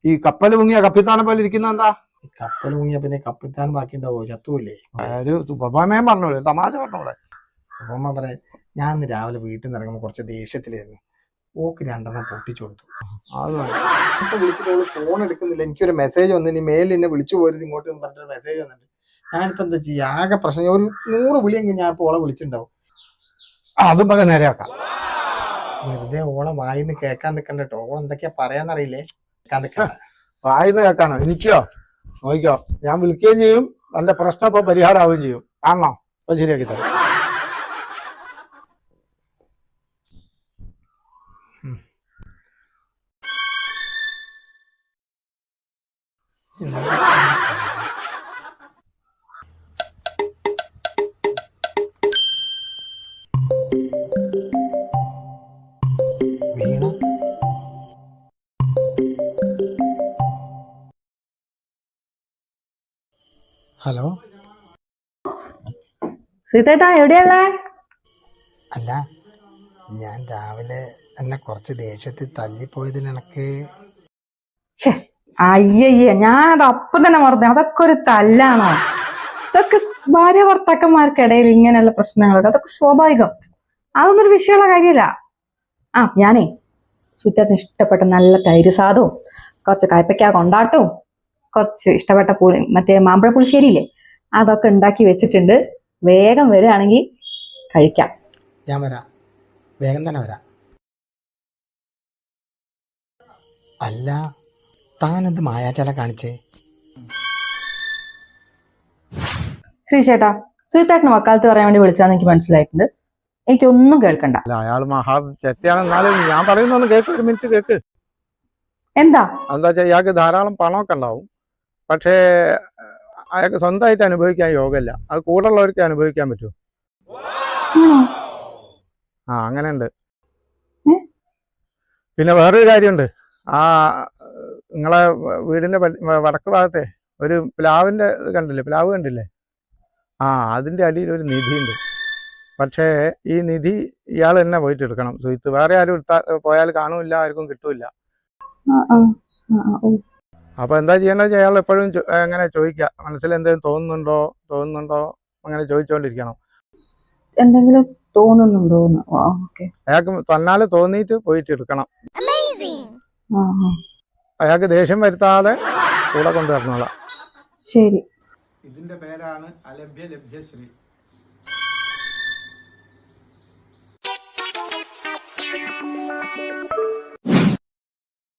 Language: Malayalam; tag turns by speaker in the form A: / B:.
A: ഈ കപ്പൽ മുങ്ങിയ കപ്പിത്താനെ പോലെ ഇരിക്കുന്ന എന്താ?
B: കപ്പൽ മുങ്ങിയ പിന്നെ കപ്പിത്താൻ ബാക്കി ഉണ്ടാവോ? ചത്തൂല്ലേ?
A: ഒരു ഉപമയം പറഞ്ഞോളൂ, തമാശ പറഞ്ഞോളെ.
B: ഉപമ പറയാൻ, ഞാൻ ഇന്ന് രാവിലെ വീട്ടിൽ നിന്ന് ഇറങ്ങുമ്പോൾ കുറച്ച് ദേഷ്യത്തിലായിരുന്നു. ഓക്ക് 2 പൊട്ടിച്ചു കൊടുത്തു. ഇപ്പൊ വിളിച്ചിട്ട് ഫോൺ എടുക്കുന്നില്ല. എനിക്കൊരു മെസ്സേജ് വന്നു, ഇനി മേലിൽ എന്നെ വിളിച്ചു പോരുത് ഇങ്ങോട്ട് പറഞ്ഞിട്ട് മെസ്സേജ് വന്നിട്ട് ഞാനിപ്പോ എന്താ ചെയ്യാ? ആകെ പ്രശ്നം. ഒരു 100 വിളിയെങ്കിൽ ഞാൻ ഇപ്പോൾ ഓളെ വിളിച്ചിട്ടുണ്ടാവും.
A: അതും പക നേരെയാക്കാം.
B: വെറുതെ ഓളെ വായിന്ന് കേൾക്കാൻ നിൽക്കണ്ട കേട്ടോ. ഓൾ എന്തൊക്കെയാ പറയാന്നറിയില്ലേ? കേൾക്കാൻ നിൽക്കണ്ട.
A: വായിന്ന് കേൾക്കാനോ? എനിക്കോ? നോക്കിക്കോ, ഞാൻ വിളിക്കുകയും ചെയ്യും, എന്റെ പ്രശ്നം ഇപ്പൊ പരിഹാരമാവുകയും ചെയ്യും. കാണണോ? അപ്പൊ ശരിയാക്കി തരാം.
B: വീണ ഹലോ.
C: സീതേട്ടാ എവിടെയല്ലേ?
B: അല്ല, ഞാൻ രാവിലെ എന്നെ കുറച്ച് ദേഷ്യത്തിൽ തല്ലിപ്പോയതിൽ എനക്ക്
C: അയ്യയ്യ, ഞാൻ അപ്പം തന്നെ മറന്നു. അതൊക്കെ ഒരു തല്ലാണോ? ഇതൊക്കെ ഭാര്യ ഭർത്താക്കന്മാർക്കിടയിൽ ഇങ്ങനെയുള്ള പ്രശ്നങ്ങളൊക്കെ അതൊക്കെ സ്വാഭാവികം. അതൊന്നും ഒരു വിഷയമുള്ള കാര്യമല്ല. ഞാനേ സുറ്റത്തിന് ഇഷ്ടപ്പെട്ട നല്ല തൈര് സാധവും കുറച്ച് കയ്പയ്ക്ക കൊണ്ടാട്ടവും കുറച്ച് ഇഷ്ടപ്പെട്ട മറ്റേ മാമ്പഴ പുളിശ്ശേരിയില്ലേ, അതൊക്കെ ഉണ്ടാക്കി വെച്ചിട്ടുണ്ട്. വേഗം വരികയാണെങ്കിൽ കഴിക്കാം.
B: ഞാൻ വരാം, വേഗം തന്നെ വരാം. അല്ല, താനെന്ത് മായാചാല കാണിച്ചേ?
C: ശ്രീചേട്ടാ, സുഹിത്തേട്ടന് വക്കാലത്ത് പറയാൻ വേണ്ടി വിളിച്ചാന്ന് എനിക്ക് മനസ്സിലായിട്ടുണ്ട്. എനിക്കൊന്നും കേൾക്കണ്ട.
A: അല്ല, അയാൾ മഹാ ചെറ്റയാണെന്നാലും ഞാൻ പറയുന്നൊന്ന് കേക്ക്, ഒരു മിനിറ്റ് കേക്ക്.
C: എന്താ
A: വെച്ചാൽ ഇയാൾക്ക് ധാരാളം പണമൊക്കെ ഉണ്ടാവും, പക്ഷേ അയാൾക്ക് സ്വന്തമായിട്ട് അനുഭവിക്കാൻ യോഗമില്ല. അത് കൂടെ ഉള്ളവർക്ക് അനുഭവിക്കാൻ പറ്റുമോ? അങ്ങനെയുണ്ട്. പിന്നെ വേറൊരു കാര്യമുണ്ട്. നിങ്ങളെ വീടിന്റെ വടക്ക് ഭാഗത്തെ ഒരു പ്ലാവിന്റെ കണ്ടില്ലേ? പ്ലാവ് കണ്ടില്ലേ? അതിന്റെ അടിയിൽ ഒരു നിധിയുണ്ട്. പക്ഷേ ഈ നിധി ഇയാൾ തന്നെ പോയിട്ട് എടുക്കണം. സുഹിത്ത്, വേറെ ആരും പോയാൽ കാണൂല്ല, ആർക്കും കിട്ടൂല. അപ്പൊ എന്താ ചെയ്യേണ്ടത്? അയാൾ എപ്പോഴും എങ്ങനെ ചോദിക്കുക, മനസ്സിൽ എന്തെങ്കിലും തോന്നുന്നുണ്ടോ അങ്ങനെ ചോദിച്ചുകൊണ്ടിരിക്കണം.
C: എന്തെങ്കിലും തോന്നുന്നുണ്ടോ?
A: അയാൾക്ക് തന്നാല് തോന്നിയിട്ട് പോയിട്ട് എടുക്കണം. അയാൾക്ക് ദേഷ്യം വരുത്താതെ കൂടെ കൊണ്ടുവരണോളാം.
C: ശരി.
A: ഇതിന്റെ പേരാണ് അലഭ്യ ലഭ്യശ്രീ.